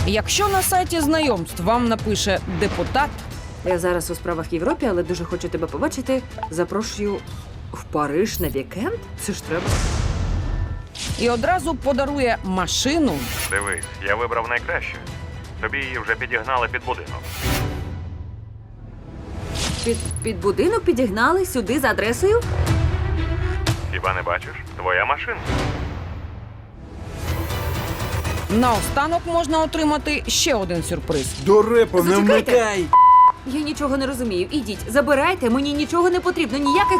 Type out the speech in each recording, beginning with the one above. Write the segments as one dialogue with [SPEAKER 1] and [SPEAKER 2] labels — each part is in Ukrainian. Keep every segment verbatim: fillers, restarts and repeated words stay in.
[SPEAKER 1] Якщо на сайті знайомств вам напише депутат,
[SPEAKER 2] Я зараз у справах в Європі, але дуже хочу тебе побачити. Запрошую в Париж на вікенд? Це ж треба.
[SPEAKER 1] і одразу подарує машину,
[SPEAKER 3] Дивись, я вибрав найкраще. Тобі її вже підігнали під будинок.
[SPEAKER 2] Під, під будинок підігнали сюди за адресою?
[SPEAKER 3] Хіба не бачиш? Твоя машина.
[SPEAKER 1] наостанок можна отримати ще один сюрприз.
[SPEAKER 4] Дурепо, не
[SPEAKER 2] Зачекайте.
[SPEAKER 4] вмикай!
[SPEAKER 2] Я нічого не розумію. Ідіть, забирайте, мені нічого не потрібно, ніяких...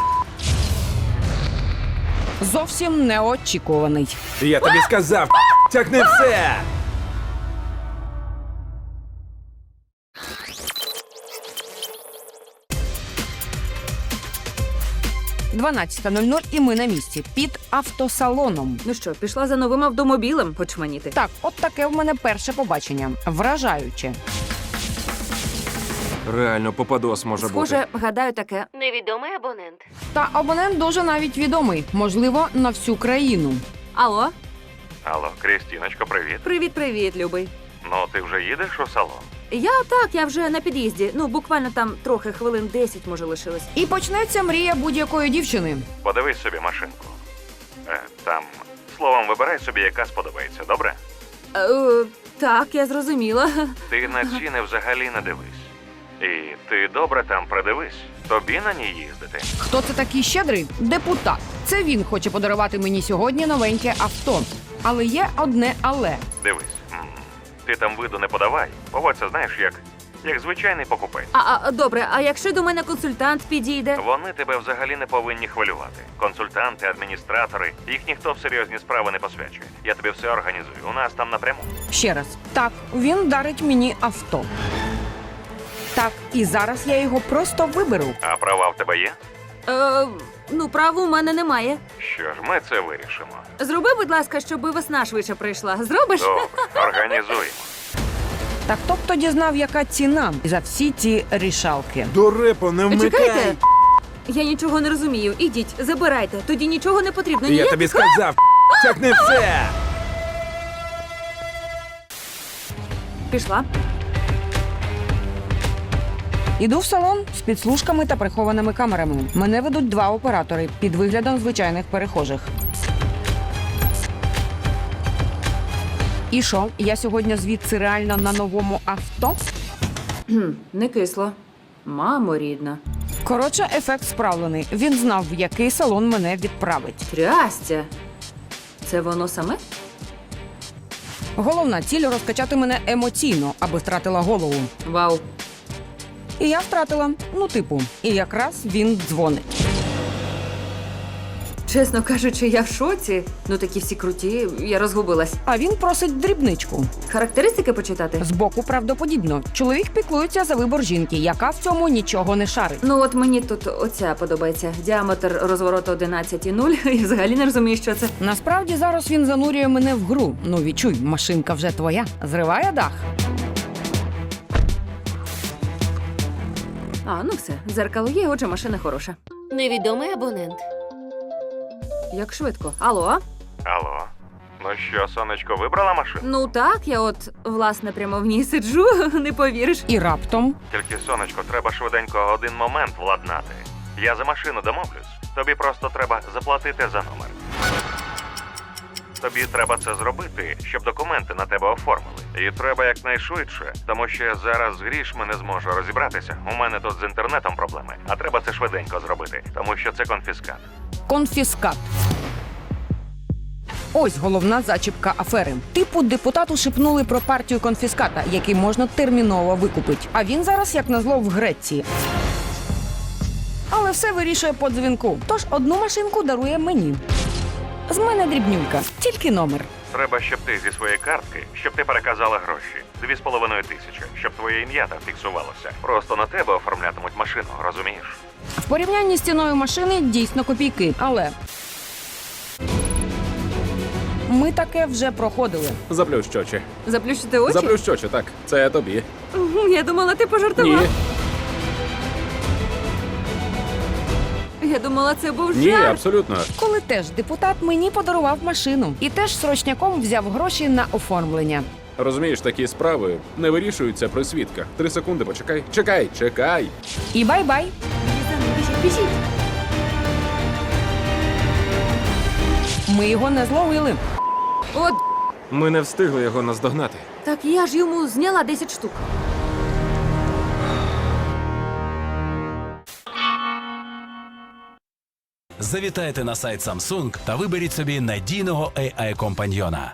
[SPEAKER 1] Зовсім неочікуваний.
[SPEAKER 4] Я тобі сказав, тягни все!
[SPEAKER 1] дванадцята нуль нуль і ми на місці під автосалоном.
[SPEAKER 2] Ну що, пішла за новим автомобілем почманіти?
[SPEAKER 1] Так, от таке в мене перше побачення. Вражаюче.
[SPEAKER 4] Реально, попадос може
[SPEAKER 2] Схоже, гадаю таке.
[SPEAKER 5] Невідомий абонент.
[SPEAKER 1] Та абонент дуже навіть відомий, можливо, на всю країну.
[SPEAKER 2] Алло?
[SPEAKER 3] Алло, Крістіночко, привіт.
[SPEAKER 2] Привіт-привіт, любий.
[SPEAKER 3] Ну, ти вже їдеш у салон?
[SPEAKER 2] Я так, я вже на під'їзді. Ну, буквально там трохи, хвилин десять, може, лишилось.
[SPEAKER 1] І почнеться мрія будь-якої дівчини.
[SPEAKER 3] Подивись собі машинку. Е, там, словом, вибирай собі, яка сподобається, добре?
[SPEAKER 2] Е, так, я зрозуміла.
[SPEAKER 3] Ти на ціни взагалі не дивись. І ти добре там придивись. Тобі на ній їздити.
[SPEAKER 1] Хто це такий щедрий? Депутат. Це він хоче подарувати мені сьогодні новеньке авто. Але є одне але.
[SPEAKER 3] Дивись. м, Ти там виду не подавай. Поводься, знаєш, як, як звичайний покупець.
[SPEAKER 2] А, а, добре, а якщо до мене консультант підійде?
[SPEAKER 3] Вони тебе взагалі не повинні хвилювати. Консультанти, адміністратори, їх ніхто в серйозні справи не посвячує. Я тобі все організую. У нас там напряму.
[SPEAKER 1] Ще раз. Так, він дарить мені авто. Так, і зараз я його просто виберу.
[SPEAKER 3] А права в тебе є?
[SPEAKER 2] Е, ну, права у мене немає.
[SPEAKER 3] Що ж, ми це вирішимо.
[SPEAKER 2] Зроби, будь ласка, щоб весна швидше прийшла. Зробиш?
[SPEAKER 3] Добре, організуємо.
[SPEAKER 1] Так хто б тоді знав, яка ціна за всі ці рішалки?
[SPEAKER 4] Дурепо, не вмикай!
[SPEAKER 2] Чекайте. Я нічого не розумію. Ідіть, забирайте. Тоді нічого не потрібно.
[SPEAKER 4] Я
[SPEAKER 2] Ніяких...
[SPEAKER 4] тобі сказав, тягни все!
[SPEAKER 2] Пішла.
[SPEAKER 1] Іду в салон з підслужками та прихованими камерами. Мене ведуть два оператори під виглядом звичайних перехожих. І що, я сьогодні звідси реально на новому авто?
[SPEAKER 2] Не кисло. Мамо рідна.
[SPEAKER 1] Коротше, ефект справлений. Він знав, в який салон мене відправить.
[SPEAKER 2] Трястя. Це воно саме?
[SPEAKER 1] Головна ціль – розкачати мене емоційно, аби втратила голову.
[SPEAKER 2] Вау.
[SPEAKER 1] І я втратила, ну типу. І якраз він дзвонить.
[SPEAKER 2] Чесно кажучи, я в шоці. Ну такі всі круті, я розгубилась.
[SPEAKER 1] А він просить дрібничку.
[SPEAKER 2] Характеристики почитати?
[SPEAKER 1] Збоку правдоподібно. Чоловік піклується за вибор жінки, яка в цьому нічого не шарить.
[SPEAKER 2] Ну от мені тут оця подобається. Діаметр розвороту одинадцять і нуль. Я взагалі не розумію, що це.
[SPEAKER 1] Насправді зараз він занурює мене в гру. Ну відчуй, машинка вже твоя. Зриває дах.
[SPEAKER 2] А, ну все, дзеркало є, отже, машина хороша.
[SPEAKER 5] Невідомий абонент.
[SPEAKER 2] Як швидко. Алло?
[SPEAKER 3] Алло. Ну що, сонечко, вибрала машину?
[SPEAKER 2] Ну так, я от, власне, прямо в ній сиджу, не повіриш.
[SPEAKER 1] І раптом
[SPEAKER 3] Тільки, сонечко, треба швиденько один момент владнати. Я за машину домовлюсь. Тобі просто треба заплатити за номер. Тобі треба це зробити, щоб документи на тебе оформили. І треба якнайшвидше, тому що я зараз з грішми не зможу розібратися. У мене тут з інтернетом проблеми, а треба це швиденько зробити, тому що це конфіскат.
[SPEAKER 1] конфіскат. Ось головна зачіпка афери. Типу депутату шепнули про партію конфіската, який можна терміново викупити. А він зараз, як назло, в Греції. Але все вирішує по дзвінку. Тож одну машинку дарує мені. З мене дрібнюлька, тільки номер.
[SPEAKER 3] Треба, щоб ти зі своєї картки, щоб ти переказала гроші. Дві з половиною тисячі, щоб твоє ім'я там фіксувалося. Просто на тебе оформлятимуть машину, розумієш?
[SPEAKER 1] В порівнянні з ціною машини дійсно копійки, але ми таке вже проходили.
[SPEAKER 4] Заплющ очі.
[SPEAKER 2] Заплющити очі?
[SPEAKER 4] Заплющ очі, так. Це тобі.
[SPEAKER 2] Мгм, я думала, ти пожартував.
[SPEAKER 4] Ні.
[SPEAKER 2] Я думала, це був
[SPEAKER 4] Ні,
[SPEAKER 2] жарт.
[SPEAKER 4] абсолютно.
[SPEAKER 1] Коли теж депутат мені подарував машину і теж срочняком взяв гроші на оформлення.
[SPEAKER 4] Розумієш, такі справи не вирішуються при свідках. Три секунди, почекай. Чекай, чекай.
[SPEAKER 1] І бай-бай.
[SPEAKER 2] Біжіть, біжіть.
[SPEAKER 1] Ми його не зловили.
[SPEAKER 2] От,
[SPEAKER 6] Ми не встигли його наздогнати.
[SPEAKER 2] так я ж йому зняла десять штук.
[SPEAKER 7] Завітайте на сайт Samsung та виберіть собі надійного ей ай-компаньйона.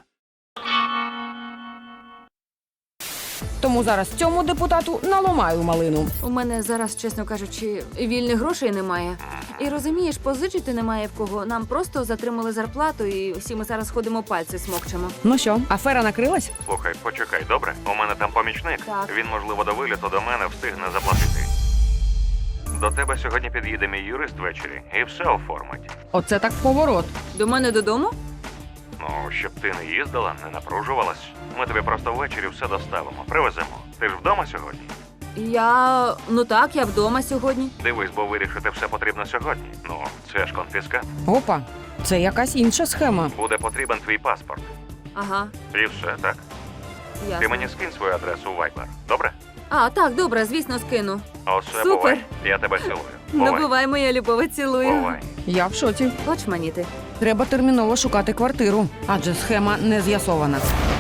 [SPEAKER 1] Тому зараз цьому депутату наламаю малину.
[SPEAKER 2] У мене зараз, чесно кажучи, вільних грошей немає. І розумієш, позичити немає в кого. Нам просто затримали зарплату, і всі ми зараз ходимо пальці смокчемо.
[SPEAKER 1] Ну що, афера накрилась?
[SPEAKER 3] Слухай, почекай, добре? У мене там помічник.
[SPEAKER 2] Так.
[SPEAKER 3] Він, можливо, до виліту до мене встигне заплатити. До тебе сьогодні під'їде мій юрист ввечері і все оформить.
[SPEAKER 1] Оце так поворот.
[SPEAKER 2] До мене додому?
[SPEAKER 3] Ну, щоб ти не їздила, не напружувалась. Ми тобі просто ввечері все доставимо, привеземо. Ти ж вдома сьогодні?
[SPEAKER 2] Я. Ну так, я вдома сьогодні.
[SPEAKER 3] Дивись, бо вирішити все потрібно сьогодні. Ну, це ж конфіскат.
[SPEAKER 1] Опа, це якась інша схема.
[SPEAKER 3] Буде потрібен твій паспорт.
[SPEAKER 2] Ага,
[SPEAKER 3] І все, так. Ти
[SPEAKER 2] ясно.
[SPEAKER 3] мені скинь свою адресу у Viber, добре?
[SPEAKER 2] А, так, добре, звісно, скину.
[SPEAKER 3] Оце
[SPEAKER 2] Супер.
[SPEAKER 3] бувай. Я тебе цілую.
[SPEAKER 2] Ну,
[SPEAKER 3] Бувай.
[SPEAKER 2] бувай, моя любова, цілую.
[SPEAKER 3] Бувай.
[SPEAKER 1] Я в шоці.
[SPEAKER 2] Очманіти.
[SPEAKER 1] Треба терміново шукати квартиру, адже схема не з'ясована.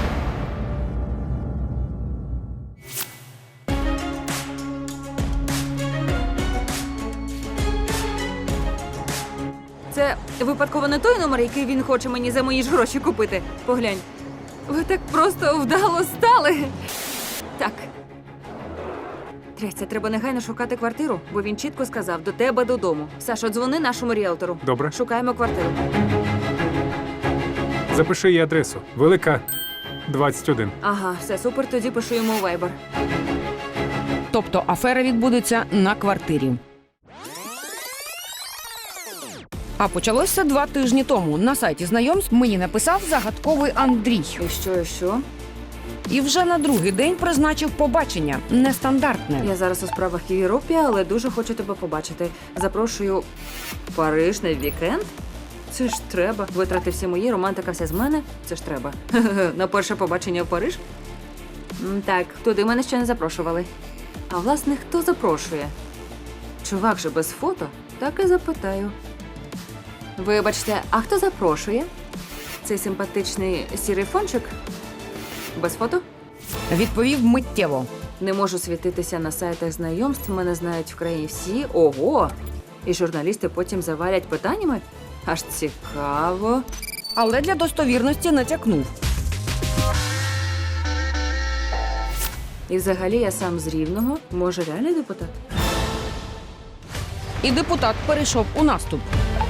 [SPEAKER 2] Це випадково не той номер, який він хоче мені за мої ж гроші купити. Поглянь. Ви так просто вдало стали. Так. Трясся, треба негайно шукати квартиру, бо він чітко сказав до тебе додому. Сашо, дзвони нашому ріелтору.
[SPEAKER 6] Добре.
[SPEAKER 2] Шукаємо квартиру.
[SPEAKER 6] Запиши її адресу. Велика двадцять один.
[SPEAKER 2] Ага, все супер, тоді пишу йому у Viber.
[SPEAKER 1] Тобто афера відбудеться на квартирі. А почалося два тижні тому. На сайті знайомств мені написав загадковий Андрій.
[SPEAKER 2] І що, і що?
[SPEAKER 1] І вже на другий день призначив побачення. Нестандартне.
[SPEAKER 2] Я зараз у справах в Європі, але дуже хочу тебе побачити. Запрошую в Париж на вікенд. Це ж треба. Витрати всі мої, романтика вся з мене. Це ж треба. На перше побачення в Париж? М, Так, туди мене ще не запрошували. А власне, хто запрошує? Чувак же без фото? Так і запитаю. Вибачте, а хто запрошує? Цей симпатичний сірий фончик? Без фото?
[SPEAKER 1] Відповів миттєво.
[SPEAKER 2] Не можу світитися на сайтах знайомств, мене знають в країні всі. Ого! І журналісти потім завалять питаннями? Аж цікаво.
[SPEAKER 1] Але для достовірності натякнув.
[SPEAKER 2] І взагалі я сам з Рівного. Може, реальний депутат?
[SPEAKER 1] І депутат перейшов у наступ.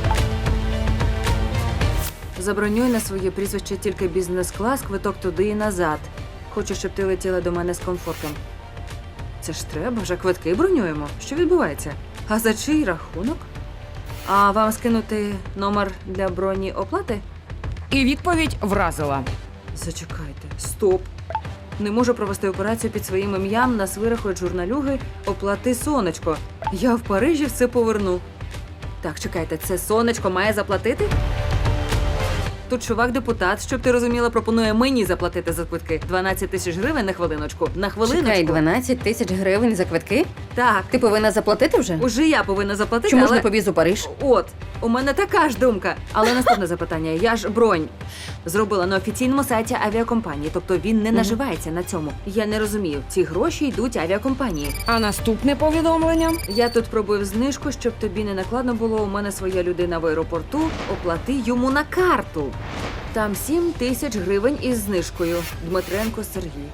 [SPEAKER 2] Забронюй на своє прізвище тільки бізнес-клас, квиток туди і назад. Хочу, щоб ти летіла до мене з комфортом. Це ж треба, вже квитки бронюємо. Що відбувається? А за чий рахунок? А вам скинути номер для броні оплати?
[SPEAKER 1] І відповідь вразила.
[SPEAKER 2] Зачекайте, стоп. Не можу провести операцію під своїм ім'ям, нас вирахують журналюги, оплати сонечко. Я в Парижі все поверну. Так, чекайте, це сонечко має заплатити? Тут чувак-депутат, щоб ти розуміла, пропонує мені заплатити за квитки. дванадцять тисяч гривень на хвилиночку. На хвилиночку.
[SPEAKER 8] Чекай, дванадцять тисяч гривень за квитки?
[SPEAKER 2] Так,
[SPEAKER 8] Ти повинна заплатити вже?
[SPEAKER 2] уже я повинна заплатити,
[SPEAKER 8] Чому ж
[SPEAKER 2] але...
[SPEAKER 8] не побіз у Париж?
[SPEAKER 2] От, у мене така ж думка. Але наступне запитання. Я ж бронь зробила на офіційному сайті авіакомпанії, тобто він не наживається на цьому. Я не розумію, ці гроші йдуть авіакомпанії.
[SPEAKER 1] А наступне повідомлення.
[SPEAKER 2] Я тут пробую знижку, щоб тобі не накладно було. У мене своя людина в аеропорту. Оплати йому на карту. Там сім тисяч гривень із знижкою. Дмитренко Сергій.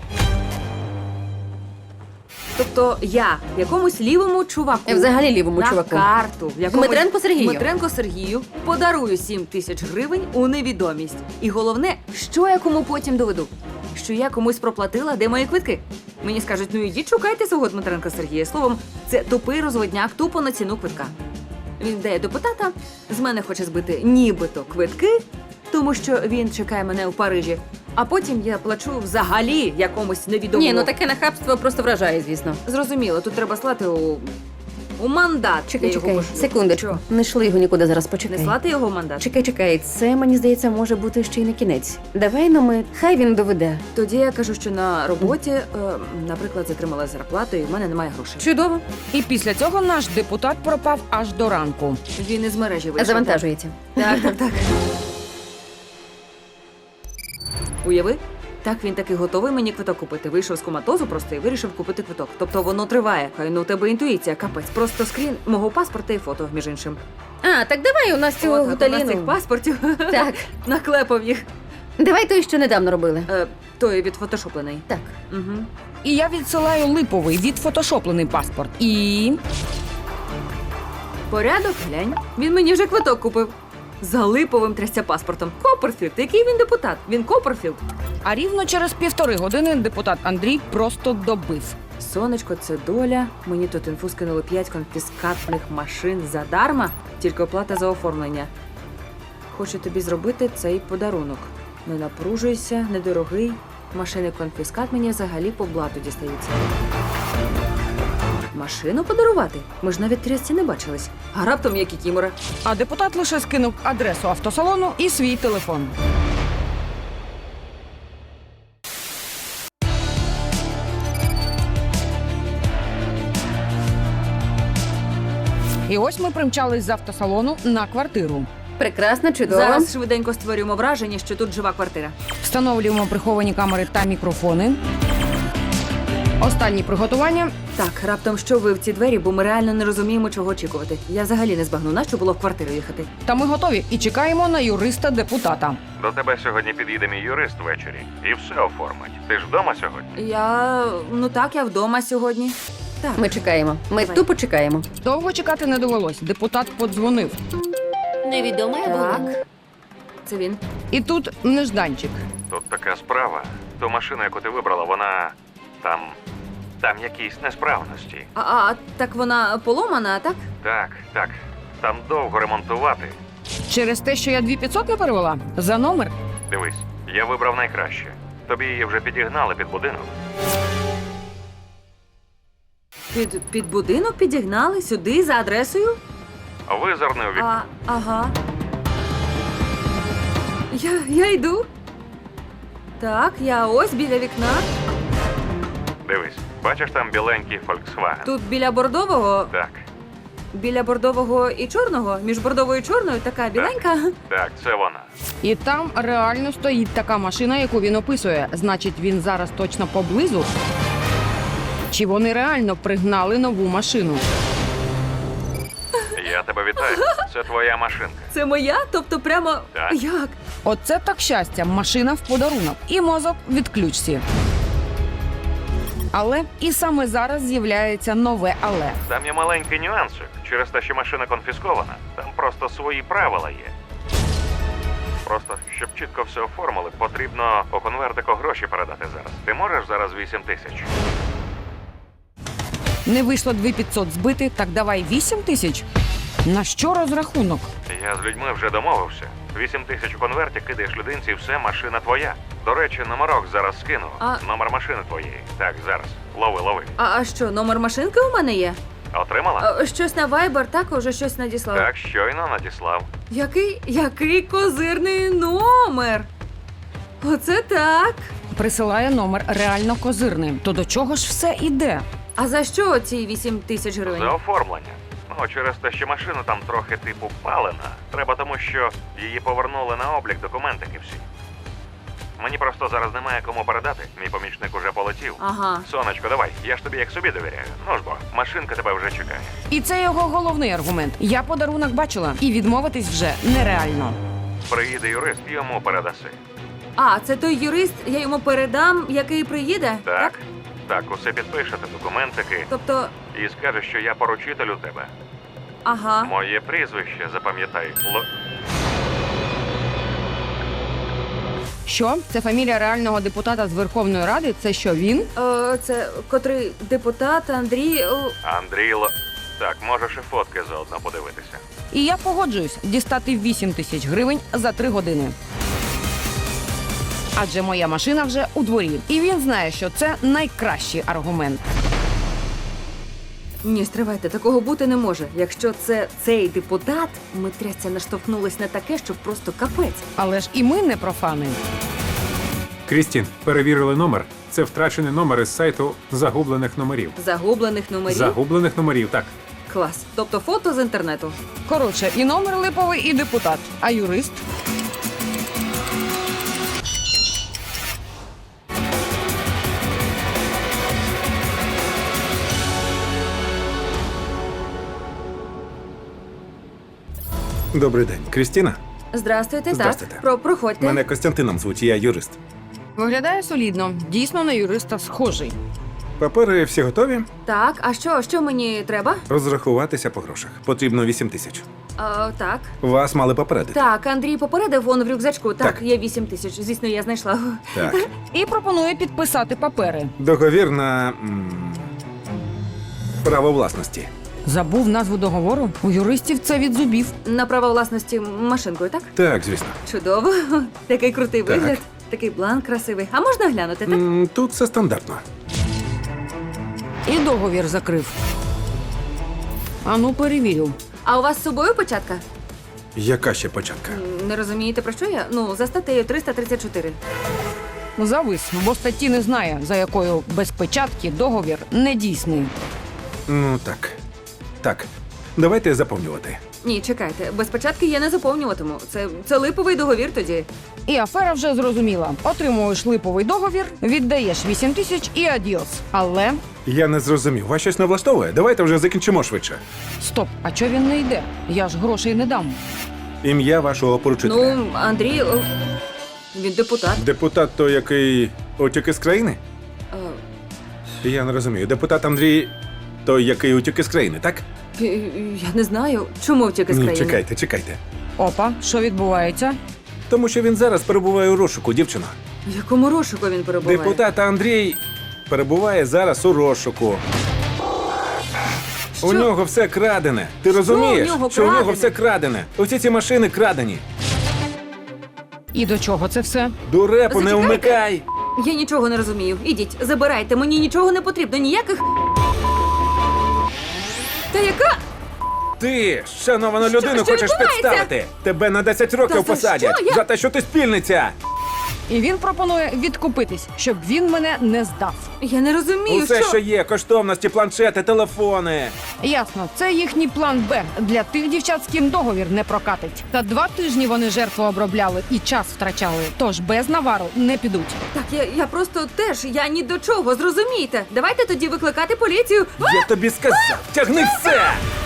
[SPEAKER 2] Тобто я якомусь лівому чуваку
[SPEAKER 8] Я взагалі лівому
[SPEAKER 2] на
[SPEAKER 8] чуваку.
[SPEAKER 2] карту. якомусь-
[SPEAKER 8] Дмитренко Сергію.
[SPEAKER 2] Дмитренко Сергію подарую сім тисяч гривень у невідомість. І головне, що я кому потім доведу? Що я комусь проплатила, де мої квитки? Мені скажуть, ну ідіть шукайте свого Дмитренка Сергія. Словом, це тупий розводняк тупо на ціну квитка. Він дає депутата, з мене хоче збити нібито квитки, тому що він чекає мене у Парижі. А потім я плачу взагалі якомусь невідомому.
[SPEAKER 8] Ні, ну таке нахабство просто вражає, звісно.
[SPEAKER 2] Зрозуміло, тут треба слати у У мандат.
[SPEAKER 8] Чекай,
[SPEAKER 2] я його
[SPEAKER 8] чекай,
[SPEAKER 2] пошлю.
[SPEAKER 8] секундочку.
[SPEAKER 2] Що?
[SPEAKER 8] Не шли його нікуди зараз, почекай.
[SPEAKER 2] Не слати його в мандат?
[SPEAKER 8] Чекай, чекай, це, мені здається, може бути ще й не кінець. Давай, ну ми, хай він доведе.
[SPEAKER 2] Тоді я кажу, що на роботі, е, наприклад, затримала зарплату і в мене немає грошей.
[SPEAKER 8] Чудово.
[SPEAKER 1] І після цього наш депутат пропав аж до ранку.
[SPEAKER 2] Він із мережі вийшов.
[SPEAKER 8] Завантажується.
[SPEAKER 2] Так, так, так. Уяви? Так, він таки готовий мені квиток купити. Вийшов з коматозу просто і вирішив купити квиток. Тобто воно триває. Хай ну у тебе інтуїція, капець. Просто скрін мого паспорта і фото, між іншим.
[SPEAKER 8] А, так давай у нас цього
[SPEAKER 2] От, так, у нас цих
[SPEAKER 8] гуталіну.
[SPEAKER 2] паспортів
[SPEAKER 8] Так,
[SPEAKER 2] наклепав їх.
[SPEAKER 8] давай той, що недавно робили.
[SPEAKER 2] Е, той відфотошоплений.
[SPEAKER 8] Так.
[SPEAKER 2] Угу.
[SPEAKER 1] І я відсилаю липовий відфотошоплений паспорт. І
[SPEAKER 2] Порядок, глянь. Він мені вже квиток купив. За липовим трясця паспортом. Копперфілд. Який він депутат? Він Копперфілд.
[SPEAKER 1] а рівно через півтори години депутат Андрій просто добив.
[SPEAKER 2] Сонечко, це доля. Мені тут інфу скинули п'ять конфіскатних машин задарма, тільки оплата за оформлення. Хочу тобі зробити цей подарунок. Не напружуйся, недорогий. Машини конфіскат мені взагалі по блату дістаються. Машину подарувати? Ми ж навіть трясці не бачились. А раптом як і кімора.
[SPEAKER 1] А депутат лише скинув адресу автосалону і свій телефон. І ось ми примчались з автосалону на квартиру.
[SPEAKER 8] Прекрасно, чудово.
[SPEAKER 2] Зараз швиденько створюємо враження, що тут жива квартира.
[SPEAKER 1] Встановлюємо приховані камери та мікрофони. Останні приготування.
[SPEAKER 2] Так, раптом що ви в ці двері, бо ми реально не розуміємо, чого очікувати. Я взагалі не збагну, нащо було в квартиру їхати.
[SPEAKER 1] Та ми готові і чекаємо на юриста-депутата.
[SPEAKER 3] До тебе сьогодні під'їде мій юрист ввечері і все оформить. Ти ж вдома сьогодні?
[SPEAKER 2] Я. ну так, я вдома сьогодні. Так.
[SPEAKER 8] Ми чекаємо. Ми
[SPEAKER 2] Давай.
[SPEAKER 8] тупо чекаємо.
[SPEAKER 1] Довго чекати не довелось. Депутат подзвонив.
[SPEAKER 5] Невідомий абонент.
[SPEAKER 2] Так. Це він.
[SPEAKER 1] І тут нежданчик.
[SPEAKER 3] Тут така справа. Ту машину, яку ти вибрала, вона там. Там якісь несправності.
[SPEAKER 2] А, а так вона поломана, так?
[SPEAKER 3] Так, так. Там довго ремонтувати.
[SPEAKER 1] Через те, що я дві п'ятсот не перевела? За номер?
[SPEAKER 3] Дивись, я вибрав найкраще. Тобі її вже підігнали під будинок.
[SPEAKER 2] Під, під будинок підігнали сюди за адресою?
[SPEAKER 3] Визирни у вікно.
[SPEAKER 2] А, ага. Я, я йду. Так, я ось біля вікна.
[SPEAKER 3] Дивись, бачиш там біленький Volkswagen?
[SPEAKER 2] Тут біля бордового,
[SPEAKER 3] Так,
[SPEAKER 2] біля бордового і чорного, між бордовою і чорною така біленька.
[SPEAKER 3] так, це вона.
[SPEAKER 1] І там реально стоїть така машина, яку він описує. Значить, він зараз точно поблизу. Чи вони реально пригнали нову машину?
[SPEAKER 3] Я тебе вітаю. Це твоя машинка.
[SPEAKER 2] Це моя? Тобто прямо.
[SPEAKER 3] Так.
[SPEAKER 2] Як?
[SPEAKER 1] Оце так щастя, машина в подарунок. І мозок від ключці. Але і саме зараз з'являється нове але.
[SPEAKER 3] Там є маленький нюансик. Через те, що машина конфіскована, там просто свої правила є. Просто, щоб чітко все оформили, потрібно по конвертику гроші передати зараз. Ти можеш зараз вісім тисяч?
[SPEAKER 1] Не вийшло дві п'ятсот збити, так давай вісім тисяч. На що розрахунок?
[SPEAKER 3] Я з людьми вже домовився. Вісім тисяч у конверті кидаєш людинці, і все, машина твоя. До речі, номерок зараз скину.
[SPEAKER 2] А-
[SPEAKER 3] Номер машини твоєї. Так, зараз. Лови, лови.
[SPEAKER 2] А, а що, номер машинки у мене є?
[SPEAKER 3] Отримала?
[SPEAKER 2] А, щось на Viber також щось надіслав.
[SPEAKER 3] Так, щойно надіслав.
[SPEAKER 2] Який, який козирний номер? Оце так.
[SPEAKER 1] Присилає номер реально козирний. То до чого ж все іде?
[SPEAKER 2] А за що ці вісім тисяч гривень?
[SPEAKER 3] За оформлення. Ну, через те, що машина там трохи типу палена. Треба тому, що її повернули на облік документики всі. Мені просто зараз немає кому передати. Мій помічник уже полетів.
[SPEAKER 2] Ага.
[SPEAKER 3] Сонечко, давай, я ж тобі як собі довіряю. Ну ж бо, машинка тебе вже чекає.
[SPEAKER 1] І це його головний аргумент. Я подарунок бачила, і відмовитись вже нереально.
[SPEAKER 3] Приїде юрист, йому передаси.
[SPEAKER 2] А, це той юрист, я йому передам, який приїде?
[SPEAKER 3] Так, так, усе підпишете, документики,
[SPEAKER 2] Тобто,
[SPEAKER 3] і скаже, що я поручитель у тебе.
[SPEAKER 2] ага.
[SPEAKER 3] Моє прізвище, запам'ятай. Л...
[SPEAKER 1] Що? Це фамілія реального депутата з Верховної Ради? Це що, він?
[SPEAKER 2] Е, це котрий депутат Андрій. о,
[SPEAKER 3] Андрій Л... Так, можеш і фотки заодно подивитися.
[SPEAKER 1] І я погоджуюсь дістати вісім тисяч гривень за три години. Адже моя машина вже у дворі. І він знає, що це найкращий аргумент.
[SPEAKER 2] Ні, стривайте, такого бути не може. Якщо це цей депутат, ми трясся наштовхнулись на таке, що просто капець.
[SPEAKER 1] Але ж і ми не профани.
[SPEAKER 6] Крістін, перевірили номер. Це втрачений номер із сайту загублених номерів.
[SPEAKER 2] Загублених номерів.
[SPEAKER 6] Загублених номерів, так.
[SPEAKER 2] Клас. Тобто фото з інтернету.
[SPEAKER 1] Коротше, і номер липовий, і депутат. А юрист?
[SPEAKER 9] Добрий день, Крістіна.
[SPEAKER 2] Здрастуйте,
[SPEAKER 9] Здрастуйте.
[SPEAKER 2] так. Про, проходьте.
[SPEAKER 9] Мене Костянтином звуть, я юрист.
[SPEAKER 1] Виглядає солідно. Дійсно на юриста схожий.
[SPEAKER 9] Папери всі готові?
[SPEAKER 2] Так, а що, що мені треба?
[SPEAKER 9] Розрахуватися по грошах. Потрібно вісім тисяч.
[SPEAKER 2] А, так.
[SPEAKER 9] Вас мали попередити.
[SPEAKER 2] Так, Андрій попередив вон в рюкзачку. Так,
[SPEAKER 9] Так.
[SPEAKER 2] є вісім тисяч. Звісно, я знайшла.
[SPEAKER 9] Так.
[SPEAKER 1] І пропонує підписати папери.
[SPEAKER 9] Договір на м, право власності.
[SPEAKER 1] Забув назву договору? У юристів це від зубів.
[SPEAKER 2] На право власності машинкою, так?
[SPEAKER 9] Так, звісно.
[SPEAKER 2] Чудово. Такий крутий
[SPEAKER 9] Так.
[SPEAKER 2] вигляд. Такий бланк красивий. А можна глянути, так?
[SPEAKER 9] М, Тут все стандартно.
[SPEAKER 1] І договір закрив. Ану, перевірю.
[SPEAKER 2] А у вас з собою початка?
[SPEAKER 9] Яка ще початка?
[SPEAKER 2] М, Не розумієте, про що я? Ну, за статтею триста тридцять чотири.
[SPEAKER 1] Завис, бо статті не знає, за якою без печатки договір недійсний.
[SPEAKER 9] Ну так. Так. Давайте заповнювати.
[SPEAKER 2] Ні, чекайте, без початки я не заповнюватиму. Це, це липовий договір тоді.
[SPEAKER 1] І афера вже зрозуміла. Отримуєш липовий договір, віддаєш вісім тисяч і адіос. Але
[SPEAKER 9] Я не зрозумів. Вас щось не влаштовує? Давайте вже закінчимо швидше.
[SPEAKER 1] стоп, а чого він не йде? Я ж грошей не дам.
[SPEAKER 9] Ім'я вашого поручителя.
[SPEAKER 2] Ну, Андрій, о, він депутат.
[SPEAKER 9] Депутат той, який утік із країни?
[SPEAKER 2] Е,
[SPEAKER 9] Я не розумію. Депутат Андрій той, який утік із країни, так?
[SPEAKER 2] е, Я не знаю, чому втік із
[SPEAKER 9] Ні,
[SPEAKER 2] країни.
[SPEAKER 9] чекайте, чекайте.
[SPEAKER 1] Опа, що відбувається?
[SPEAKER 9] Тому що він зараз перебуває у розшуку, дівчино.
[SPEAKER 2] В якому розшуку він перебуває?
[SPEAKER 9] Депутат Андрій перебуває зараз у розшуку.
[SPEAKER 2] Що?
[SPEAKER 9] У нього все крадене. Ти
[SPEAKER 2] Що
[SPEAKER 9] розумієш,
[SPEAKER 2] у нього
[SPEAKER 9] що у нього
[SPEAKER 2] крадене?
[SPEAKER 9] все крадене? Усі ці машини крадені.
[SPEAKER 1] І до чого це все?
[SPEAKER 9] До репу не
[SPEAKER 2] Зачекайте.
[SPEAKER 9] вмикай.
[SPEAKER 2] Я нічого не розумію. Ідіть, забирайте, мені нічого не потрібно, ніяких. Та яка?
[SPEAKER 9] Ти, шановану
[SPEAKER 2] Що-
[SPEAKER 9] людину,
[SPEAKER 2] що
[SPEAKER 9] хочеш
[SPEAKER 2] відбувається?
[SPEAKER 9] підставити. Тебе на десять років
[SPEAKER 2] Та за
[SPEAKER 9] посадять.
[SPEAKER 2] що? Я-
[SPEAKER 9] За те, що ти спільниця.
[SPEAKER 1] І він пропонує відкупитись, щоб він мене не здав.
[SPEAKER 2] Я не розумію,
[SPEAKER 9] Усе,
[SPEAKER 2] що...
[SPEAKER 9] що є, коштовності, планшети, телефони.
[SPEAKER 1] Ясно, це їхній план Б для тих дівчат, з ким договір не прокатить. Та два тижні вони жертву обробляли і час втрачали. Тож без навару не підуть.
[SPEAKER 2] Так, я, я просто теж, я ні до чого, зрозумійте. Давайте тоді викликати поліцію.
[SPEAKER 9] Я тобі сказав, тягни все!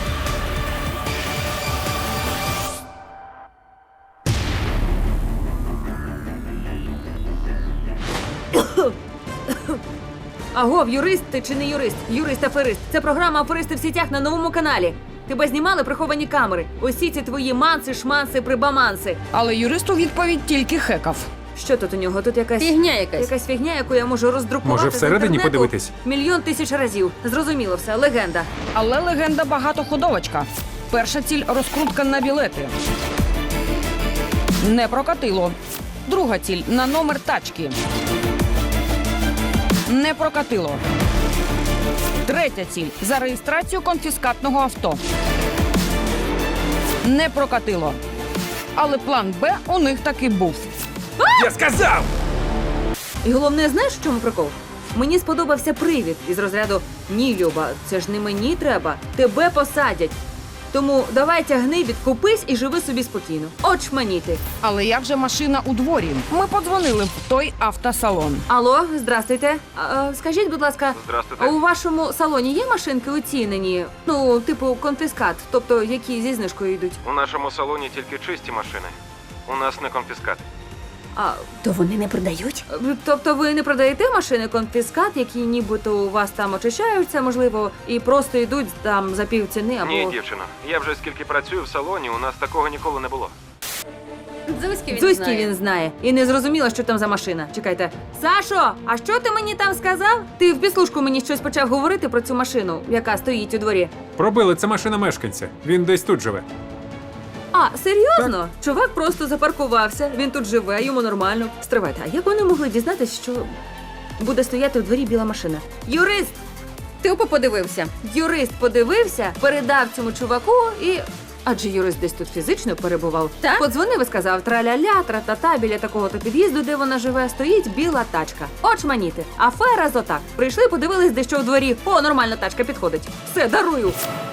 [SPEAKER 2] Агов, юрист ти чи не юрист? Юрист-аферист. Це програма «Аферисти в сітях» на новому каналі. Тебе знімали приховані камери. Усі ці твої манси, шманси, прибаманси.
[SPEAKER 1] Але юрист у відповідь тільки хекав.
[SPEAKER 2] Що тут у нього? Тут якась
[SPEAKER 8] Фігня якась.
[SPEAKER 2] якась фігня, яку я можу роздрукувати.
[SPEAKER 6] Може,
[SPEAKER 2] з
[SPEAKER 6] всередині
[SPEAKER 2] інтернету
[SPEAKER 6] подивитись?
[SPEAKER 2] Мільйон тисяч разів. Зрозуміло все, легенда.
[SPEAKER 1] Але легенда багатоходовочка. Перша ціль розкрутка на білети. Не прокатило. Друга ціль на номер тачки. Не прокатило. Третя ціль за реєстрацію конфіскатного авто. Не прокатило. Але план Б у них таки був.
[SPEAKER 9] Я сказав!
[SPEAKER 2] І головне, знаєш, в чому прикол? Мені сподобався привід із розряду «Ні, Люба, це ж не мені треба, тебе посадять». Тому давай тягни, відкупись і живи собі спокійно. Очманіти.
[SPEAKER 1] Але як же машина у дворі? Ми подзвонили в той автосалон.
[SPEAKER 2] Алло, здрастуйте. А, скажіть, будь ласка,
[SPEAKER 3] Здрастуйте.
[SPEAKER 2] а у вашому салоні є машинки оцінені? Ну, типу конфіскат, тобто які зі знижкою йдуть?
[SPEAKER 3] У нашому салоні тільки чисті машини. У нас не конфіскат.
[SPEAKER 2] А,
[SPEAKER 8] То вони не продають?
[SPEAKER 2] тобто ви не продаєте машини конфіскат, які нібито у вас там очищаються, можливо, і просто йдуть там за півціни або...
[SPEAKER 3] Ні, дівчино. Я вже скільки працюю в салоні, у нас такого ніколи не було.
[SPEAKER 8] Дзузьки він
[SPEAKER 2] Дзузьки
[SPEAKER 8] знає.
[SPEAKER 2] він знає. І не зрозуміло, що там за машина. Чекайте. Сашо, а що ти мені там сказав? Ти в підслужку мені щось почав говорити про цю машину, яка стоїть у дворі.
[SPEAKER 6] Пробили, це машина мешканця. Він десь тут живе.
[SPEAKER 2] А, серйозно? Чувак просто запаркувався, він тут живе, йому нормально. Стривайте, а як вони могли дізнатися, що буде стояти у дворі біла машина? Юрист!
[SPEAKER 8] Тупо подивився.
[SPEAKER 2] Юрист подивився, передав цьому чуваку і. Адже юрист десь тут фізично перебував.
[SPEAKER 8] Так.
[SPEAKER 2] Подзвонив і сказав траля-ля, тра-та-та, біля такого-то під'їзду, де вона живе, стоїть біла тачка. Очманіти. Афера зотак. Прийшли, подивились, де що в дворі. О, нормальна тачка підходить. Все, дарую.